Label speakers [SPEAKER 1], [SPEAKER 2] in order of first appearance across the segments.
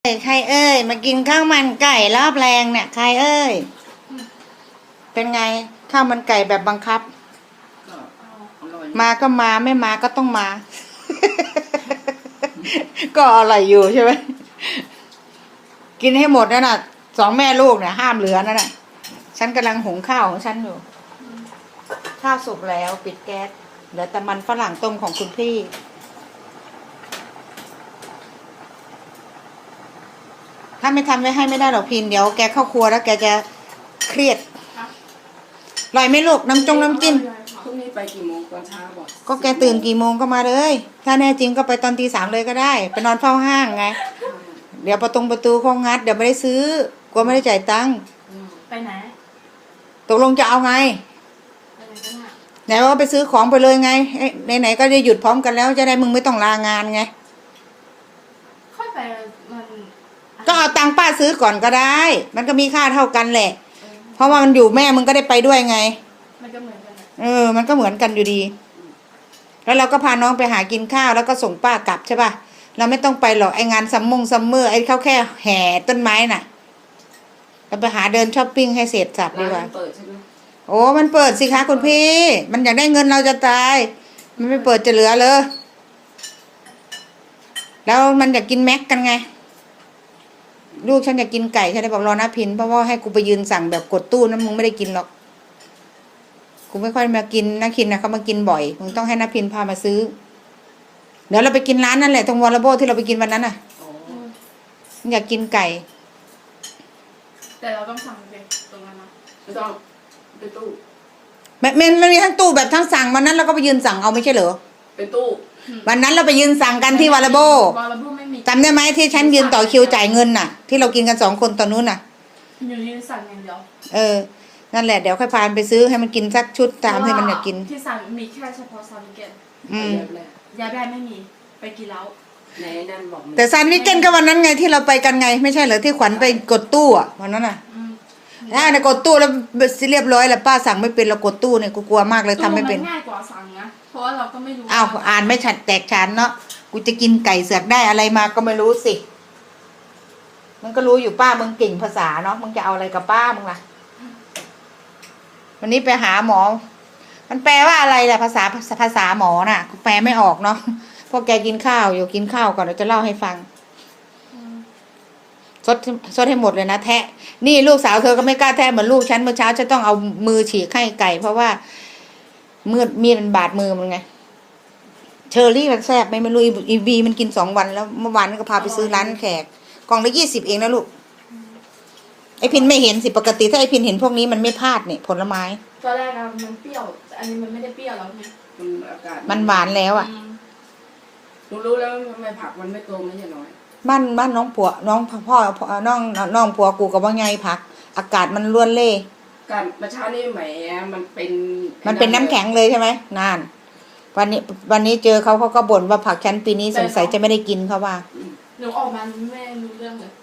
[SPEAKER 1] ใครเอ้ยมากินข้าวมันไก่รอบแรงเนี่ยใครเอ้ยเป็นไงข้าวมันไก่แบบบังคับมาก็มาไม่มาก็ต้องมา ก็อร่อยอยู่ใช่ไหมกินให้หมดนั่นน่ะสองแม่ลูกเนี่ยห้ามเหลือนั่นน่ะฉันกำลังหุงข้าวของฉันอยู่ข้าวสุกแล้วปิดแก๊สเหลือแต่มันฝรั่งต้มของคุณพี่ถ้าไม่ทำไว้ให้ไม่ได้หรอกพินเดี๋ยวแกเข้าครัวแล้วแกจะเครียดอร่อยไหมลูกน้ำจิ้ม
[SPEAKER 2] พรุ่งนี้ไปกี่โมงตอนเช้าบอก
[SPEAKER 1] ก็แกตื่นกี่โมงก็มาเลยถ้าแน่จริงก็ไปตอนตี 3เลยก็ได้ไปนอนเฝ้าห้างไงเดี๋ยวประตูเขางัดเดี๋ยวไม่ได้ซื้อกลัวไม่ได้จ่ายตังค์
[SPEAKER 3] ไปไหน
[SPEAKER 1] ตกลงจะเอาไง
[SPEAKER 3] ไปไหนกันอ่ะ
[SPEAKER 1] ไหนว่าไปซื้อของไปเลยไงไหนก็จะหยุดพร้อมกันแล้วจะได้มึงไม่ต้องลางานไง
[SPEAKER 3] ค่อยไปมัน
[SPEAKER 1] ก็เอาตังค์ป้าซื้อก่อนก็ได้มันก็มีค่าเท่ากันแหละเพราะว่ามันอยู่แม่มึงก็ได้ไปด้วยไง
[SPEAKER 3] มันก็เหมือนกัน
[SPEAKER 1] มันก็เหมือนกันอยู่ดีแล้วเราก็พาน้องไปหากินข้าวแล้วก็ส่งป้ากลับใช่ป่ะเราไม่ต้องไปหรอกไองานซัมเมอร์ไอเขาแค่แห่ต้นไม้น่ะเราไปหาเดินช้อปปิ้งให้เสร็จสับดีกว่า
[SPEAKER 2] เปิดใช่ไหม
[SPEAKER 1] โอ้มันเปิดสิคะคุณพี่มันอยากได้เงินเราจะตายมันไม่เปิดจะเหลือเลยแล้วมันอยากกินแม็กกันไงลูกฉันอยากกินไก่ฉันเลยบอกรอนะพินเพราะว่าให้กูไปยืนสั่งแบบกดตู้นั้นมึงไม่ได้กินหรอกกูไม่ค่อยมากินนะคินนะเขามากินบ่อยมึงต้องให้นะพินพามาซื้อเดี๋ยวเราไปกินร้านนั่นแหละตรงวอลเลย์บอลที่เราไปกินวันนั้นน่ะอยากกินไก่
[SPEAKER 3] แต่เราต้องสั่งไปตรงนั้นนะ
[SPEAKER 2] ไม่ต้องเป็นตู้
[SPEAKER 1] มันมีทั้งตู้แบบทั้งสั่งวันนั้นเราก็ไปยืนสั่งเอาไม่ใช่เหรอ
[SPEAKER 2] เป็นตู้
[SPEAKER 1] วันนั้นเราไปยืนสั่งกันที่วอลเลย์บอล
[SPEAKER 3] ไม่มี
[SPEAKER 1] จำได้ไหมที่ฉันยืนต่อคิวจ่ายเงินน่ะที่เรากินกัน2 คนตอนนู้นน่ะ
[SPEAKER 3] อยู่ยืนสั่งอย่างเดียว
[SPEAKER 1] นั่นแหละเดี๋ยวค่อยพาไปซื้อให้มันกินสักชุดตามที่มันอยากกิน
[SPEAKER 3] ที่สั่งมีแค่เฉพาะซันวิเกตยาแบนไม่มีไปกินแล้ว
[SPEAKER 2] ไหนนั่นบอก
[SPEAKER 1] แต่ซันวิเกตก็วันนั้นไงที่เราไปกันไงไม่ใช่เหรอที่ขวัญไปกดตู้อ่ะวันนั้นน่ะกดตู้แล้วเรียบร้อยแล้วป้าสั่งไม่เป็นเรากดตู้เนี่ยกูกลัวมากเลยทำไม่เป็น
[SPEAKER 3] ง่ายกว่าสั่งนะเพราะว่าเราก็ไม่รู้
[SPEAKER 1] อ่านไม่ชัดแตกฉานเนาะกูจะกินไก่เสือกได้อะไรมาก็ไม่รู้สิมันก็รู้อยู่ป้ามึงเก่งภาษาเนาะมึงจะเอาอะไรกับป้ามึงล่ะวันนี้ไปหาหมอมันแปลว่าอะไรล่ะภาษาหมอน่ะแปลไม่ออกเนาะพวกแกกินข้าวอยู่กินข้าวก่อนเดี๋ยวจะเล่าให้ฟังซดให้หมดเลยนะแทะนี่ลูกสาวเธอก็ไม่กล้าแทะเหมือนลูกฉันเมื่อเช้าฉันต้องเอามือฉีกไข่ไก่เพราะว่ามีดมันบาดมือมันไงเชอรี่มันแซ่บไม่รู้อีวีมันกิน2 วันแล้วเมื่อวานก็พาไปซื้อร้านแขกกล่องละ20เองนะลูกไอพินไม่เห็นสิปกติถ้าไอพินเห็นพวกนี้มันไม่พลาดเนี่ยผลไม้
[SPEAKER 3] ตอนแรกมันเปรี้ยวอันนี้มันไม่ได้เปรี้ยวแล้วไง
[SPEAKER 2] อากาศ
[SPEAKER 1] มันหวานแล้วอ่ะ
[SPEAKER 2] รู้แล้วทำไมผักมันไม่โตไม่ใช่น้อย
[SPEAKER 1] บ้านน้องผัวน้องพ่อน้องผัวกูกับว่าไงผักอากาศมันล้วนเล่
[SPEAKER 2] การเมื่อเช้านี้แหมมัน
[SPEAKER 1] เป็นน้ำแข็งเลยใช่ไหมนานวันนี้เจอเขาก็บ่นว่าผักชั้นปีนี้สงสัยจะไม่ได้กินเขาว่า
[SPEAKER 3] หนูออกมาไม่รู้เรื่องเลย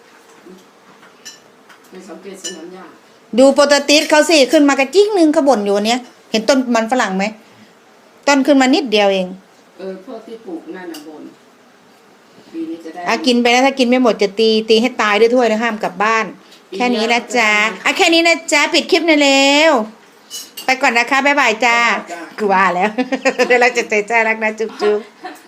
[SPEAKER 2] ไม่สังเกตสนามหญ้า
[SPEAKER 1] ดูโปรตีสเขาสิขึ้นมากระจิ๊กนึงเขาบ่นอยู่เนี้ยเห็นต้นมันฝรั่งไหมต้นขึ้นมานิดเดียวเอง
[SPEAKER 2] พวกที่ปลูกนั่นน่ะบ่นปีนี้จะได้
[SPEAKER 1] กินไปแล้วถ้ากินไม่หมดจะตีให้ตายด้วยถ้วยนะห้ามกลับบ้านแค่นี้นะจ๊ะแค่นี้นะจ๊ะปิดคลิปหน่อยเร็วไปก่อนนะคะบ๊ายบายจ้ากูว่าแล้วเดี๋ยวเราจะใจรักนะจุ๊บ